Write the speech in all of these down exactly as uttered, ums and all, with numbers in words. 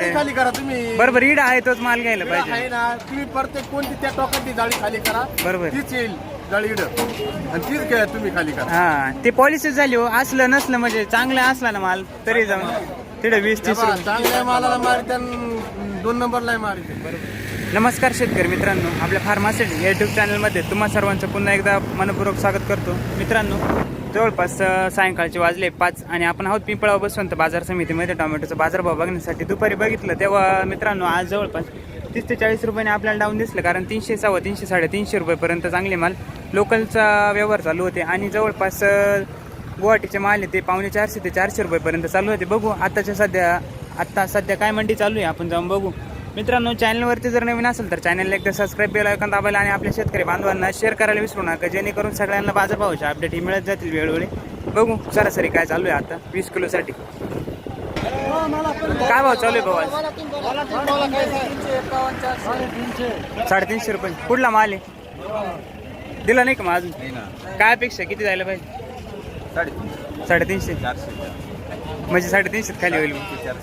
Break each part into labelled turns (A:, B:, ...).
A: खाली करा तुम्ही.
B: बरोबर इड आहे तोच माल घ्यायला
A: आहे
B: पाहिजे.
A: ना, तुम्ही प्रत्येक कोणती त्या टोकाची जाळी खाली करा,
B: बरोबर
A: तीच येईल जाळी इड आणि तीच घ्या तुम्ही खाली करा.
B: हा ते पॉलिसीच झाली हो. असलं नसलं म्हणजे चांगलं असला ना माल तरी जाऊन तिथे वीस तीस
A: तेव्हा
B: रुपये.
A: चांगल्या मालाला मारित दोन नंबरला मारित.
B: नमस्कार शेतकरी मित्रांनो, आपल्या फार्मासिटी युट्यूब चॅनलमध्ये तुम्हा सर्वांचं पुन्हा एकदा मनपूर्वक स्वागत करतो. मित्रांनो, जवळपास सायंकाळचे वाजले पाच आणि आपण आहोत पिंपळाव बसवंत बाजार समितीमध्ये टोमॅटोचा बाजारभाव बघण्यासाठी. दुपारी बघितलं तेव्हा मित्रांनो आज जवळपास तीस ते चाळीस रुपयाने आपल्याला डाऊन दिसलं, कारण तीनशे सव्वा तीनशे साडेतीनशे रुपयेपर्यंत चांगले माल लोकलचा व्यवहार चालू होते आणि जवळपास गुवाहाटीचे माल आहे ते पावणे चारशे ते चारशे रुपयेपर्यंत चालू होते. बघू आताच्या सध्या आत्ता सध्या काय मंडी चालू आहे आपण जाऊन बघू. मित्रांनो, चॅनलवरती जर नवीन असेल तर चॅनलला एकदा सबस्क्राईब बेल आयकॉन दाबायला आणि आपल्या शेतकरी बांधवांना शेअर करायला विसरू नका, जेणेकरून सगळ्यांना बाजारभावाचे अपडेट ही मिळत जातील वेळोवेळी. बघू सरासरी काय चालू आहे आता वीस किलोसाठी. काय भाव चालू आहे भाऊ आज? साडेतीनशे रुपये. कुठला माल आहे? दिला नाही का मग अजून? काय अपेक्षा किती जायला पाहिजे? साडेतीनशे म्हणजे साडेतीनशे खाली होईल.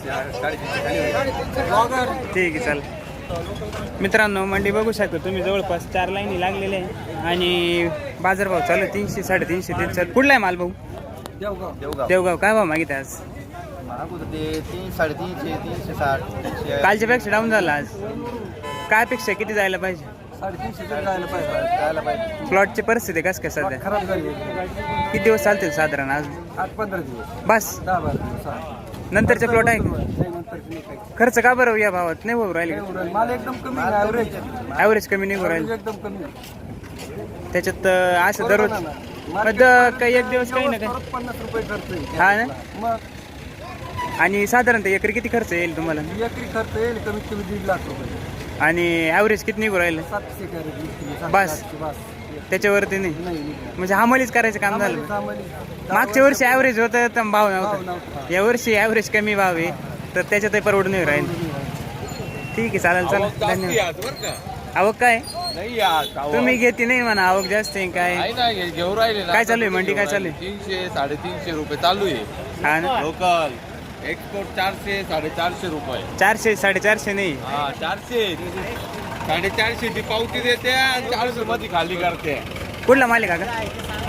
B: ठीक आहे चालेल. मित्रांनो, मंडी बघू शकतो तुम्ही, जवळपास चार लाईनी लागलेले आहे आणि बाजारभाव चालू आहे तीनशे साडेतीनशे तीनशे. कुठला आहे माल भाऊ?
A: देवगाव.
B: देवगाव. काय भाव मागित आज?
A: तीन साडेतीनशे तीनशे साठ.
B: कालच्या पेक्षा डाऊन झाला आज. काय अपेक्षा किती जायला पाहिजे?
A: साडेतीनशे जायला पाहिजे पाहिजे.
B: प्लॉटची परिस्थिती कसं काय सध्या?
A: खराब झाली.
B: किती दिवस चालतील साधारण? आज
A: आठ पंधरा दिवस
B: बस.
A: दहा बारा दिवस
B: नंतरचे प्लॉट आहे का? खर्च का बरं या भावात नाही होऊ राहिले?
A: माल एकदम कमी ॲव्हरेज
B: ॲव्हरेज कमी नाही होऊ राहिले
A: एकदम कमी.
B: त्याच्यात अं, असं दररोज द- काही एक दिवस काही ना काही.
A: पन्नास रुपये खर्च
B: हा ना.
A: मग
B: आणि साधारणतः एकरी किती खर्च येईल तुम्हाला?
A: एकरी खर्च येईल कमीत कमी दीड लाख रुपये
B: आणि ॲव्हरेज किती निघू राहिलं?
A: सातशे कॅरेट
B: बस.
A: बस
B: त्याच्यावरती नाही
A: नाही
B: म्हणजे हमालीच करायचं काम झालं. मागच्या वर्षी ॲव्हरेज होतं तर भाव नव्हता. या वर्षी ॲव्हरेज कमी भाव आहे तर त्याच्यातही परवडून नाही राहील. ठीक आहे चालेल चालेल धन्यवाद. आवक काय तुम्ही घेते नाही म्हणा, आवक जास्त आहे काय?
C: घेऊ राहिले
B: काय चालू आहे मंडी? काय चालू आहे?
C: तीनशे साडेतीनशे रुपये चालू आहे.
B: हा ना.
C: लोकल एक्सपोर्ट चारशे साडेचारशे रुपये.
B: चारशे साडेचारशे नाही.
C: हा चारशे साडेचारशे ती पावती देते आणि चारशे मध्ये खाली करते.
B: कुठला माल आहे काका?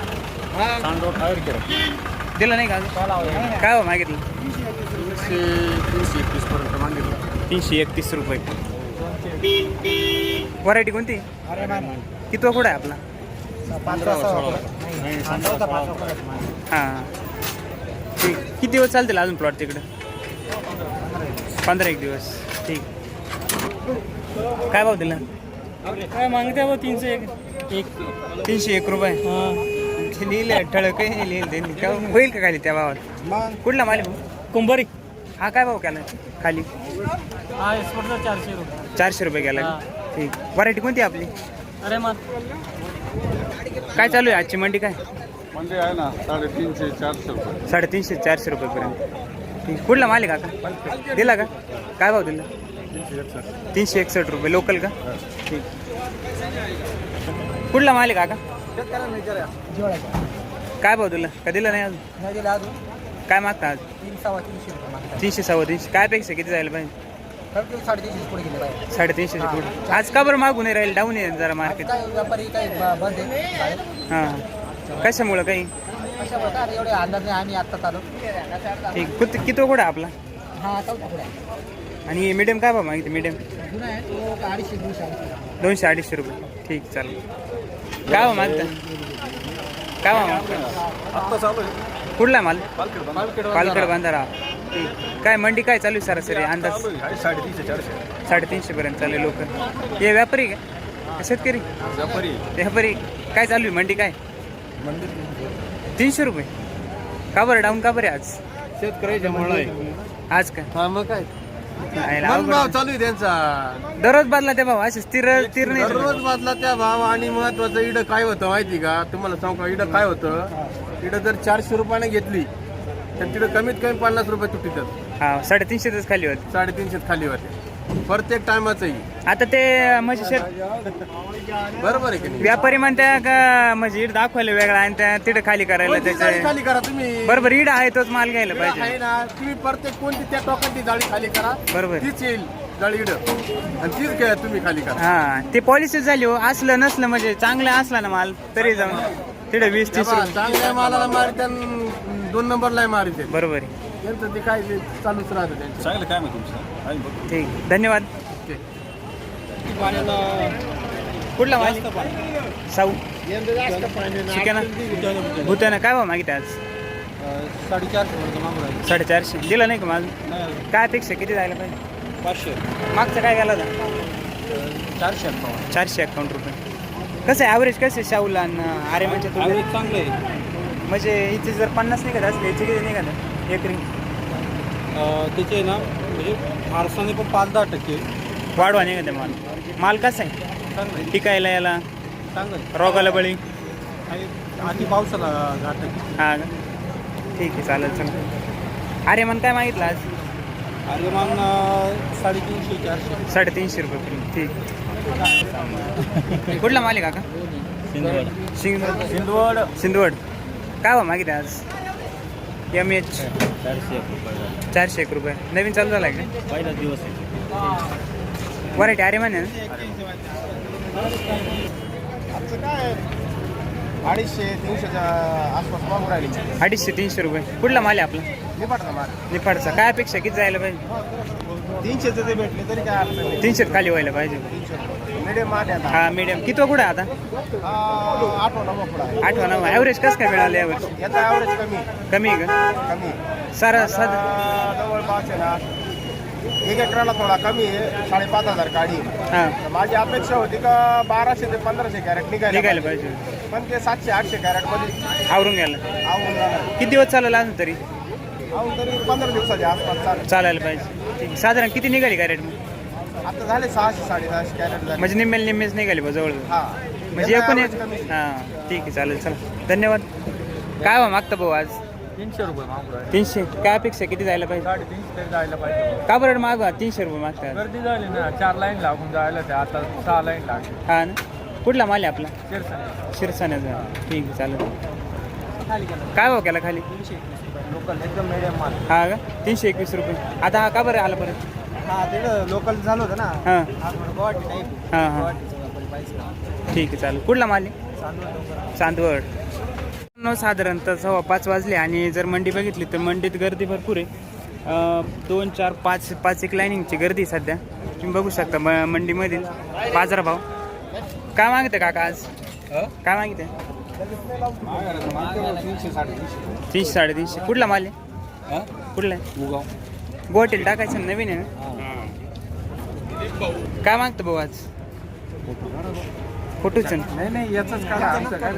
B: दिला नाही का अजून? काय हो मागितलं?
A: तीनशे एकतीस पर्यंत मागितलं.
B: तीनशे एकतीस रुपये. व्हरायटी कोणती? किती कुठं आहे आपला? हां ठीक. किती दिवस चालतील अजून प्लॉट तिकडं? पंधरा एक दिवस. ठीक. काय भाव दिला?
D: काय मागते बा? तीनशे एक एक
B: तीनशे एक रुपये. लिहिले ठळक लिहिले त्यांनी. काय होईल का खाली त्या भावात? कुठला माल आहे भाऊ?
D: कुंभारी.
B: हा काय भाव केला खाली?
D: हा एक्सपोर्टचा चारशे रुपये.
B: चारशे रुपये गेला. ठीक. व्हरायटी कोणती आपली?
D: अरे मग
B: काय चालू आहे आजची मंडी? काय
A: म्हणजे आहे ना साडेतीनशे चारशे रुपये.
B: साडेतीनशे चारशे रुपयेपर्यंत. ठीक. कुठला माल आहे काका? दिला का? काय भाव दिला? तीनशे एकसष्ट रुपये. लोकल का? ठीक. कुठला माल आहे काका? काय भाव दिला? का दिला नाही अजून? काय मागता आज? तीनशे सव्वा तीनशे. काय पेक्षा किती जायला पाहिजे? साडेतीनशे पुढे. आज का बरं मागून नाही राहील? डाऊन आहे जरा मार्केट. हां कशामुळं काही? ठीक. किती किती कुठं आपला? आणि मीडियम काय भाव मागितलं? मीडियम दोनशे अडीचशे रुपये. ठीक चालेल. काय भाव मागता? काय भाव मागता?
A: आत्ता चालू आहे.
B: कुठला माल?
A: पालखेड
B: पालखेड बांधारा. ठीक. काय मंडी काय चालू आहे सरासरी अंदाज?
A: साडेतीनशे चारशे
B: साडेतीनशे पर्यंत चालू आहे. लोक हे व्यापारी का शेतकरी?
A: व्यापारी.
B: व्यापारी. काय चालू आहे मंडी? काय तीनशे रुपये? का बरं डाऊन का बरं आज?
A: शेतकऱ्याच्या मुळे आहे
B: आज का?
A: हा मग काय
B: आहे
A: मन भाव
B: अवघड.
A: चालू आहे त्यांचा.
B: दररोज बदला ते भाव असे स्थिर स्थिर नाही
A: दररोज
B: चालत.
A: बदला त्या भाव. आणि महत्वाचं इडं काय होतं माहिती का तुम्हाला सांगू का? इडं काय होतं, इडं जर चारशे रुपयाने घेतली तर तिथं कमीत कमी पन्नास रुपये तुटीतात.
B: हा साडेतीनशेच खाली होते.
A: साडेतीनशेत खाली होते. प्रत्येक टायमाचंही
B: आता ते म्हणजे शेत
A: बरोबर आहे की नाही?
B: व्यापारी म्हणत्या का म्हणजे इड दाखवायला वेगळा आणि त्या तिथे खाली करायला
A: कोणती जाळी
B: त्याचे
A: खाली करा तुम्ही.
B: बरोबर इड आहे तोच माल घ्यायला
A: इडं
B: पाहिजे
A: आहे ना, तुम्ही प्रत्येक कोणती त्या टोकाची जाळी खाली करा,
B: बरोबर.
A: तीच येईल जाळी इड आणि तीच घ्या तुम्ही खाली करा.
B: हा ते पॉलिसी झाली हो. असलं नसलं म्हणजे चांगलं असला ना माल तरी जाऊन तिथे वीस तीस
A: तेव्हा
B: रुपये
A: चांगल्या मालाला मारित दोन नंबरला मारित
B: बरोबर आहे.
A: त्यांचं ते काय ते चालूच राहतं त्यांचं.
C: चांगलं काय मग तुमचं
B: ठीक धन्यवाद. कुठला माल साऊ शिकाना भूताना काय भाव मागितले आज?
C: साडेचारशे
B: साडेचारशे दिला नाही का माझं? काय अपेक्षा किती जायला पाहिजे?
C: पाचशे
B: मागचं काय गेला होता?
C: चारशे
B: चारशे अकाउंट रुपये. कसं आहे ॲव्हरेज कसं आहे शाहूला आणि आर्यमानच्या तुलनेत?
C: चांगलं आहे.
B: म्हणजे हिचे जर पन्नास निघत असले याचे किती निघत एकरी?
C: त्याचे ना म्हणजे फारसाने पण पाच दहा टक्के
B: वाढवा निघत आहे माल. माल कसा आहे
C: चांगलं
B: टिकायला याला
C: चांगलं
B: रोगाला बळी?
C: आहे. आधी पावसाला दहा टक्के.
B: हा का? ठीक आहे चालेल चालेल. आर्यमान काय मागितलं आज?
C: आर्यमान साडेतीनशे चारशे
B: साडेतीनशे रुपये किलो. ठीक. कुठला माल आहे काका?
C: सिंधवड
B: सिंधवड
C: सिंधवड
B: सिंधवड. काय भाव मागितलं आज? एम एच
C: चारशे एक रुपये
B: चारशे एक रुपये. नवीन चालू झाला आहे का?
C: पहिला दिवस आहे.
B: व्हरायटी आर्यमान आहे ना?
A: आमचं काय अडीचशे तीनशेच्या आसपास मागून राहिली.
B: अडीचशे तीनशे रुपये. कुठला माल आहे आपला?
A: निपाटचा माल
B: निफाडचा. काय अपेक्षा किती जायला पाहिजे?
A: तीनशेचं ते भेटले तरी काय अडचण नाही.
B: तीनशेत खाली व्हायला पाहिजे.
A: मिडियम माल आहे आता.
B: हा मीडियम. किती कुठं आहे आता?
A: हा, आठवा नवा पुढं आहे.
B: आठवा नऊ. ॲव्हरेज कसं काय मिळालं यावर्षी?
A: याचा ॲव्हरेज कमी
B: कमी आहे का?
A: कमी
B: सारा साध
A: आता जवळपास आहे ना एक एकराला थोडा कमी आहे, साडेपाच हजार काढी.
B: हां
A: तर माझी अपेक्षा होती का बाराशे ते पंधराशे कॅरेट निघायला
B: निघायला
A: पाहिजे.
B: पाहिजे.
A: पण ते सातशे आठशे कॅरेट मध्ये
B: आवरून घ्यायला.
A: आवून जाणार.
B: किती दिवस चालला अजून तरी?
A: आवून तरी पंधरा दिवसाच्या आसपास चालेल.
B: चालायला पाहिजे. ठीक. साधारण किती निघाली कॅरेट मग?
A: आता झाले सहाशे साडेसहाशे कॅरेट झाले.
B: म्हणजे निम्मेल निम्मेच निघाली बा जवळ.
A: हा
B: म्हणजे
A: याचा
B: एकूण एक
A: average कमी.
B: हां ठीक आहे चालेल चला धन्यवाद. काय भाव मागता भाऊ आज?
C: तीनशे रुपये मागू राहिले.
B: तीनशे. काय अपेक्षा किती जायला पाहिजे?
C: साडेतीनशे तरी जायला पाहिजे.
B: का बरं मागवा तीनशे रुपये मागतात?
C: गर्दी झाली ना, चार लाईन लागून जायला ते आता सहा लाईन लागली.
B: हा ना. कुठला माल आहे आपला?
C: शिरसाने
B: शिरसाण्याचा. ठीक आहे चालेल. काय भाव केला खाली?
C: लोकल एकदम मिडियम माल.
B: हा का? तीनशे एकवीस रुपये. आता हा का बरं आला परत?
C: हा तिकडं लोकल झालं होतं ना.
B: हां
C: हा थोडं गुवाहाटी टाईप.
B: हां हां ठीक आहे चालेल. कुठला माल आहे? चांदवड. न साधारणतः सव्वा पाच वाजले आणि जर मंडी बघितली तर मंडीत गर्दी भरपूर आहे. अं, दोन चार पाच पाच एक लाईनिंगची गर्दी आहे सध्या. तुम्ही बघू शकता म मंडीमधील बाजारभाव. काय मागते काका आज? काय मागते?
C: तीनशे साडेतीनशे.
B: तीनशे साडेतीनशे. कुठला माल आहे? कुठला आहे?
C: उगाव.
B: गोटेल टाकायचं नवीन आहे ना? काय मागतं भाऊ आज? फोटोच
C: नाही नाही याचंच काय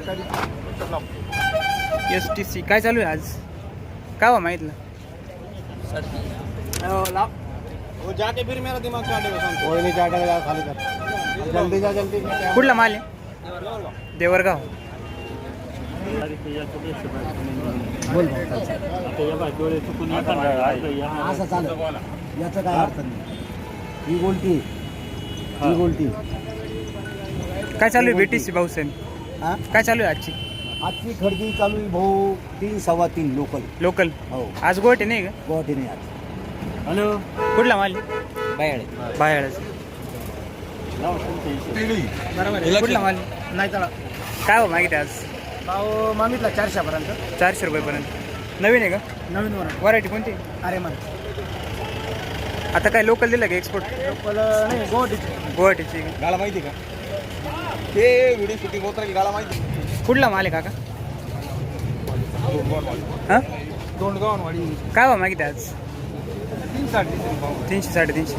B: एस टी सी. काय चालू आहे आज? काय भाव मागितलं?
C: जाके फिर मेरा दिमाग कोई नहीं जाके खाली कर जल्दी जा जल्दी.
B: कुठला माल आहे? देवरगाव.
E: असं चालेल याचं काय अर्थ नाही. ही गोलटी ही गोलटी
B: काय चालू आहे बीटीसी भाऊसेन?
E: हा
B: काय चालू आहे आजची
E: आजची खरेदी चालू आहे भाऊ तीन सव्वा तीन लोकल.
B: लोकल?
E: हो
B: आज गोटे नाही का?
E: गुवाहाटी नाही आज.
B: हॅलो कुठला माल?
E: बायाळे
B: बाहेरच. कुठला माल?
A: नाही चला
B: काय भाव मागितले आज?
A: भाव मागितला चारशेपर्यंत.
B: चारशे रुपयेपर्यंत. नवीन आहे का?
A: नवीन वर
B: व्हरायटी कोणती?
A: अरे मन
B: आता काय लोकल दिलं का एक्सपोर्ट?
A: लोकल नाही गुवाहाटीची.
B: गुवाहाटीची का?
C: गाला माहिती का? ते व्हिडिओ शूटिंग होत राहील. गाला माहिती.
B: कुठला माल आहे काका? हां
C: दोंडगावनवाडी.
B: काय भाव मागितले आज?
C: तीन साडेतीनशे भाव.
B: तीनशे साडेतीनशे.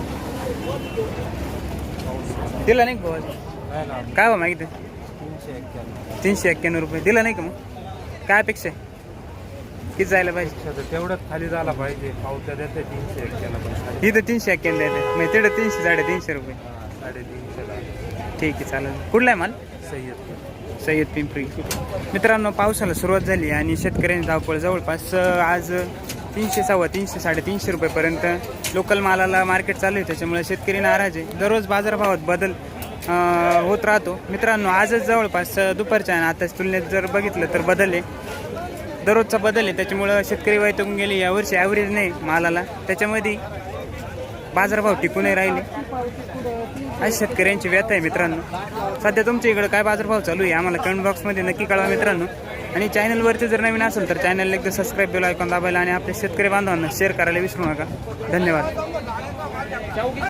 B: दिला नाही का भाऊ आज? काय भाव मागितले?
C: तीनशे एक्क्याण्णव.
B: तीनशे एक्क्याण्णव रुपये. दिला नाही का मग? काय अपेक्षा आहे? किती जायला पाहिजे?
C: तेवढंच खाली झाला पाहिजे. पावत्या देते तीनशे एक्क्याण्णव.
B: इथं तीनशे एक्क्याण्णव आहे म्हणजे तिथं तीनशे साडेतीनशे रुपये.
C: साडेतीनशे.
B: ठीक आहे चालेल. कुठला आहे माल?
C: सय्यद.
B: सय्यद पिंपरी. मित्रांनो पावसाला सुरुवात झाली आणि शेतकऱ्यांनी धावपळ जवळपास आज तीनशे सव्वा तीनशे साडेतीनशे रुपयेपर्यंत लोकल मालाला मार्केट चालू आहे. त्याच्यामुळे शेतकरी नाराज आहे. दररोज बाजारभावात बदल अं, होत राहतो. मित्रांनो आजच जवळपास दुपारच्या आणि आताच तुलनेत जर बघितलं तर बदल आहे, दररोजचा बदल आहे. त्याच्यामुळं शेतकरी वैतागून गेले. यावर्षी ॲव्हरेज नाही मालाला, त्याच्यामध्ये बाजारभाव टिकूनही राहिले. आज शेतकऱ्यांची व्यथा आहे मित्रांनो. सध्या तुमच्या इकडं काय बाजारभाव चालू आहे आम्हाला कमेंट बॉक्समध्ये नक्की कळवा मित्रांनो. आणि चॅनलवरती जर नवीन असेल तर चॅनलला एकदा सबस्क्राईब बेल आयकॉन दाबायला आणि आपल्या शेतकरी बांधवांना शेअर करायला विसरू नका. धन्यवाद.